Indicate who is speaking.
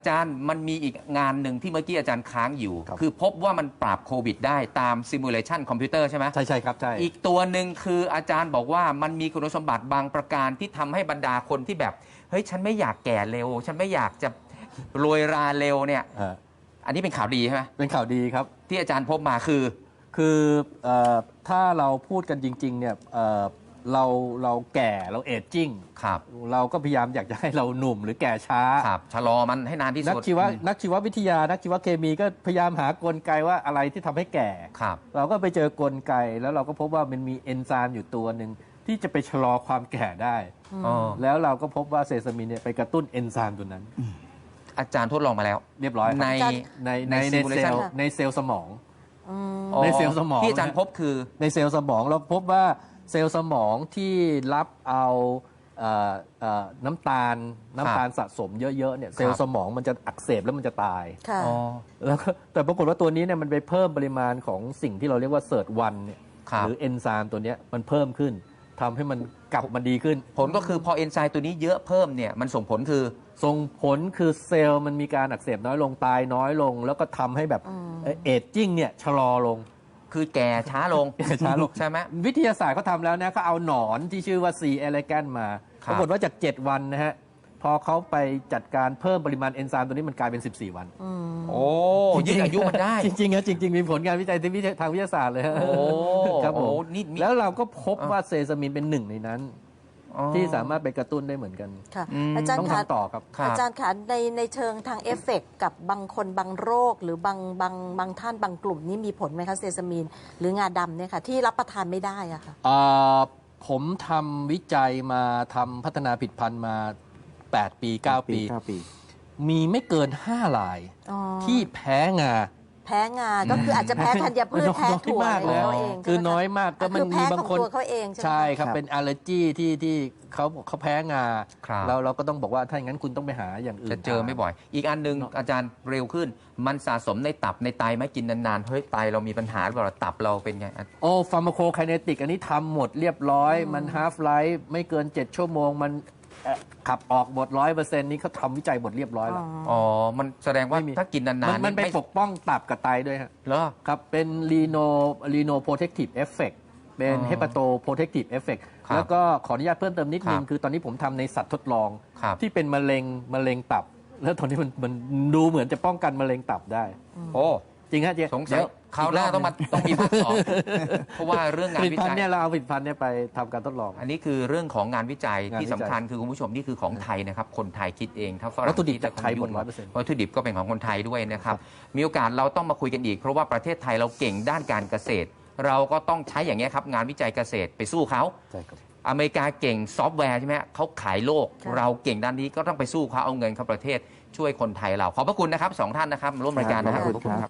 Speaker 1: อาจารย์มันมีอีกงานหนึ่งที่เมื่อกี้อาจารย์ค้างอยู่
Speaker 2: ครับ
Speaker 1: คือพบว่ามันปราบโควิดได้ตามซิมูเลชันคอมพิวเตอร์ใช่ไหม
Speaker 2: ใช่ครับใช่
Speaker 1: อีกตัวหนึ่งคืออาจารย์บอกว่ามันมีคุณสมบัติบางประการที่ทำให้บรรดาคนที่แบบเฮ้ยฉันไม่อยากแก่เร็ว ฉันไม่อยากจะรวยราเร็วเนี่ยอันนี้เป็นข่าวดีใช่ไหม
Speaker 2: เป็นข่าวดีครับ
Speaker 1: ที่อาจารย์พบมาคือ
Speaker 2: ถ้าเราพูดกันจริงๆเนี่ยเราแก่เราเอจจิ้ง
Speaker 1: ครับ
Speaker 2: เราก็พยายามอยากจะให้เราหนุ่มหรือแก่ช้า
Speaker 1: ครับชะลอมันให้นานที่
Speaker 2: นั
Speaker 1: สุ
Speaker 2: ก
Speaker 1: ด
Speaker 2: ชีววิทยานักชีวเคมีก็พยายามหากลไกว่าอะไรที่ทำให้แก่
Speaker 1: ครับ
Speaker 2: เราก็ไปเจอกลไกแล้วเราก็พบว่ามันมีเอนไซม์อยู่ตัวหนึ่งที่จะไปชะลอความแก่ได้
Speaker 1: อ๋อ
Speaker 2: แล้วเราก็พบว่าเซซามินเนี่ยไปกระตุ้นเอนไซม์ตัวนั้น
Speaker 1: อาจารย์ทดลองมาแล้ว
Speaker 2: เรียบร้อยครับ
Speaker 1: ใน
Speaker 2: ในเซล
Speaker 1: simulation
Speaker 2: ล์ในเซลล์สมอง
Speaker 1: อ๋อ
Speaker 2: ในเซลล์สมอง
Speaker 1: ที่อาจารย์พบคือ
Speaker 2: ในเซลล์สมองเราพบว่าเซลล์สมองที่รับเอาน้ำตาลสะสมเยอะๆเนี่ยเซลล์สมองมันจะอักเสบแล้วมันจะตาย
Speaker 3: ค่ะ
Speaker 1: อ๋อ
Speaker 2: แล้วก็แต่ปรากฏว่าตัวนี้เนี่ยมันไปเพิ่มปริมาณของสิ่งที่เราเรียกว่าเซิร์ตวันเนี่ย
Speaker 1: ครับ
Speaker 2: หรือเอนไซม์ตัวเนี้ยมันเพิ่มขึ้นทำให้มันกลับมาดีขึ้น
Speaker 1: ผลก็คือพอเอนไซม์ตัวนี้เยอะเพิ่มเนี่ยมันส่งผลคือ
Speaker 2: ส่งผลคือเซลล์มันมีการอักเสบน้อยลงตายน้อยลง แล้วก็ทำให้แบบเอจจิ้งเนี่ยชะลอลง
Speaker 1: คือแก่ช้าลง
Speaker 2: ช้าลง
Speaker 1: ใช่ไหม
Speaker 2: วิทยาศาสตร์เขาทำแล้วนะเขาเอาหนอนที่ชื่อว่า C. elegans มา
Speaker 1: ครั
Speaker 2: ป
Speaker 1: บ
Speaker 2: รากฏว่าจาก 7 วันนะฮะ พอเขาไปจัดการเพิ่มปริมาณเอนไซม์ตัวนี้มันกลายเป็น 14 วัน
Speaker 1: โอ้ยืดอายุมันได้
Speaker 2: จริงๆนะจริง ๆ มีผลงานวิจัยทางวิทยาศาสตร์เลยฮะ
Speaker 1: โอ้
Speaker 2: ครับผม
Speaker 1: โอ้นี่มี
Speaker 2: แล้วเราก็พบว่าเซซามินเป็นหนึ่งในนั้น
Speaker 1: อ๋อ
Speaker 2: ที่สามารถไปกระตุ้นได้เหมือนกัน
Speaker 3: ค่ะ
Speaker 1: อืม
Speaker 3: อาจาร
Speaker 2: ต้อ
Speaker 3: ย์
Speaker 2: ง
Speaker 3: คะ
Speaker 2: ทำต่อครับ
Speaker 1: ครับ
Speaker 3: อาจารย์คะในเชิงทางเอฟเฟกต์กับบางคนบางโรค หรือบางท่านบางกลุ่มนี้มีผลไหมคะเซซามีนหรืองาดำเนี่ยค่ะที่รับประทานไม่ได้อะค่ะ
Speaker 2: ผมทำวิจัยมาทำพัฒนาผลิตภัณฑ์มา 8 ปี 9 ปี มีไม่เกิน 5 ราย
Speaker 3: อ๋อ
Speaker 2: ที่แพ้งา
Speaker 3: แพ้งา ก็คืออาจจะแพ้ธัญพืช
Speaker 2: น้อย
Speaker 3: แพ้ถั่ว
Speaker 2: มาก
Speaker 3: อะไร
Speaker 2: เลย
Speaker 3: เขาเอง
Speaker 2: คือ
Speaker 3: ใช่ไหมะ
Speaker 2: น้อยมากก็มัน
Speaker 3: คือแพ้
Speaker 2: มีบาง
Speaker 3: ของ
Speaker 2: คน
Speaker 3: ตัวเขาเองใช่ไหม
Speaker 2: ใช่ครับ
Speaker 4: ครับ
Speaker 2: เป็นอัลเลอร์จีที่เขาแพ้งา
Speaker 1: ครับ
Speaker 2: เราก็ต้องบอกว่าถ้าอย่างนั้นคุณต้องไปหาอย่างอื่น
Speaker 1: จะเจอไม่บ่อย อีกอันหนึงอาจารย์เร็วขึ้น มันสะสมในตับในไตไหมกินนานๆ เฮ้ยไตเรามีปัญหาหรือเปล่าตับเราเป็นไง
Speaker 2: โอ้ฟาร์มาโคไคเนติกอันนี้ทำหมดเรียบร้อย มันฮาฟไลฟ์ไม่เกิน 7 ชั่วโมง มันขับออกหมด 100%นี้เขาทำวิจัยหมดเรียบร้อยแล้ว
Speaker 1: อ๋อ มันแสดงว่า
Speaker 2: ไม่มี
Speaker 1: ถ้ากินนานๆ
Speaker 2: มันไปปกป้องตับกับไตด้วยฮะ
Speaker 1: เหรอ
Speaker 2: ครับ เป็น Reno Protective Effect เป็น
Speaker 1: อ๋อ
Speaker 2: Hepato Protective Effect
Speaker 1: ครับ
Speaker 2: แล้วก็ขออนุญาตเพิ่มเติมนิดนึ
Speaker 1: ค
Speaker 2: ง
Speaker 1: รับ
Speaker 2: คือตอนนี้ผมทำในสัตว์ทดลอง
Speaker 1: ครับ
Speaker 2: ที่เป็นมะเร็งตับ แล้วตอนนี้มันดูเหมือนจะป้องกันมะเร็งตับได้
Speaker 1: โอ้
Speaker 2: จริงฮะเจ๊
Speaker 1: สงสัยคราวหน้าต้องมีภาคสองเพราะว่าเรื่องงา
Speaker 2: ผ
Speaker 1: น
Speaker 2: ลิต
Speaker 1: วิ
Speaker 2: ภัณ
Speaker 1: จั
Speaker 2: ฑ์
Speaker 1: ย
Speaker 2: เนี่ยเราเอาผลิตภัณฑ์เนี่ยไปทำการทดลอง
Speaker 1: อันนี้คือเรื่องของงานวิจัย
Speaker 2: งานวิจัย
Speaker 1: ที่สำคัญคือคุณผู้ชมนี่คือของไทยนะครับ คนไทยคิดเองถ้าฝรั่ง
Speaker 2: วัตถุดิบ
Speaker 1: คิ
Speaker 2: จากไทยหมด
Speaker 1: จะ
Speaker 2: 100%
Speaker 1: วัตถุดิบก็เป็นของคนไทยด้วยนะครับ มีโอกาสเราต้องมาคุยกันอีก เพราะว่าประเทศไทยเราเก่งด้านการเกษตร เราก็ต้องใช้อย่างนี้ยครับงานวิจัยเกษตรไปสู้เขา
Speaker 2: ใช่ครับ
Speaker 1: อเมริกาเก่งซอฟต์แวร์ใช่ไหมเขาขายโลก
Speaker 3: ค่ะ
Speaker 1: เราเก่งด้านนี้ก็ต้องไปสู้เขาเอาเงินเข้าประเทศช่วยคนไทยเราขอบพระคุณนะครับสองท่านนะครับมาร่วมรายการนะครับ
Speaker 4: ขอบคุณครับ